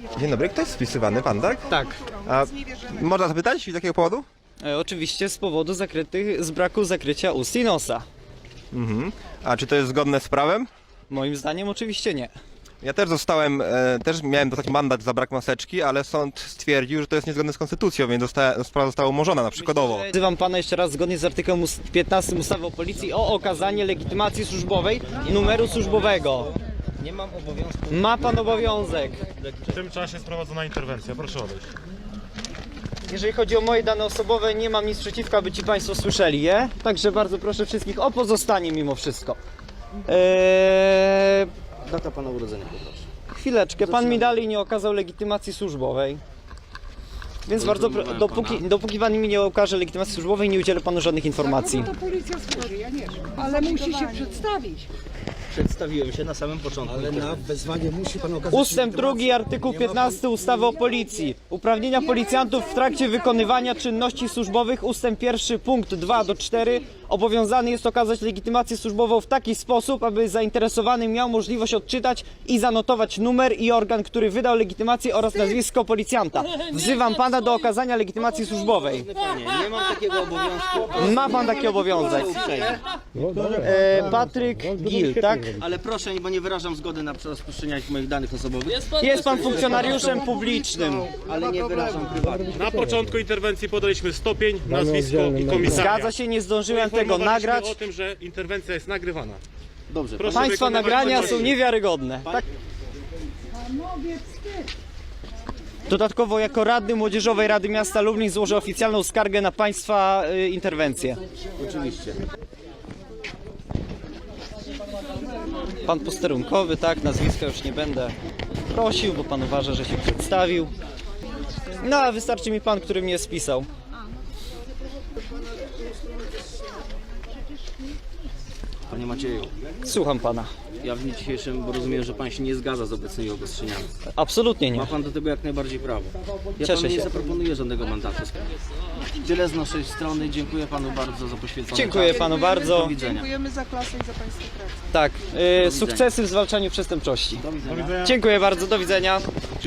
Dzień dobry, ktoś spisywany pan, tak? Tak. A można zapytać z jakiego powodu? Oczywiście z powodu z braku zakrycia ust i nosa. A czy to jest zgodne z prawem? Moim zdaniem oczywiście nie. Ja też też miałem dostać mandat za brak maseczki, ale sąd stwierdził, że to jest niezgodne z konstytucją, więc sprawa została umorzona na przykładowo. Wzywam pana jeszcze raz zgodnie z artykułem 15 ustawy o policji o okazanie legitymacji służbowej i numeru służbowego. Nie mam obowiązku. Ma pan obowiązek. W tym czasie jest prowadzona interwencja, proszę odejść. Jeżeli chodzi o moje dane osobowe, nie mam nic przeciwko, aby ci państwo słyszeli je. Także bardzo proszę wszystkich o pozostanie mimo wszystko. Data pana urodzenia, poproszę. Chwileczkę, pan mi dalej nie okazał legitymacji służbowej. Więc bardzo dopóki pan mi nie okaże legitymacji służbowej, nie udzielę panu żadnych informacji. To policja służy, ja nie wiem. Ale musi się przedstawić. Przedstawiłem się na samym początku. Ale na wezwanie musi pan okazać... Ustęp 2, artykuł 15 ustawy o policji. Uprawnienia policjantów w trakcie wykonywania czynności służbowych. Ustęp 1, punkt 2 do 4. Obowiązany jest okazać legitymację służbową w taki sposób, aby zainteresowany miał możliwość odczytać i zanotować numer i organ, który wydał legitymację oraz nazwisko policjanta. Wzywam pana do okazania legitymacji służbowej. Panie, nie mam takiego obowiązku. Ma pan taki obowiązek. Patryk Gil, tak? Ale proszę, bo nie wyrażam zgody na rozpuszczenie moich danych osobowych. Jest pan funkcjonariuszem publicznym. Ale nie wyrażam prywatnie. Na początku interwencji podaliśmy stopień, nazwisko i komisariat. Zgadza się, nie zdążyłem tego Poinformowaliśmy nagrać. o tym, że interwencja jest nagrywana. Dobrze. Proszę Państwa wykonywać nagrania czynności. są niewiarygodne. Tak? Dodatkowo jako radny Młodzieżowej Rady Miasta Lublin złożę oficjalną skargę na państwa interwencję. Oczywiście. Pan posterunkowy, tak, nazwiska już nie będę prosił, bo pan uważa, że się przedstawił. No a wystarczy mi pan, który mnie spisał. Panie Macieju, Słucham pana. ja w dniu dzisiejszym, bo rozumiem, że pan się nie zgadza z obecnymi obostrzeniami. Absolutnie nie. Ma pan do tego jak najbardziej prawo. Ja Cieszę panu nie się. zaproponuję żadnego mandatu. Tyle z naszej strony. Dziękuję panu bardzo za poświęcony Dziękuję czas. panu bardzo. Do widzenia. Dziękujemy za klasę i za państwa pracę. Tak, sukcesy w zwalczaniu przestępczości. Do widzenia. Dziękuję bardzo, do widzenia.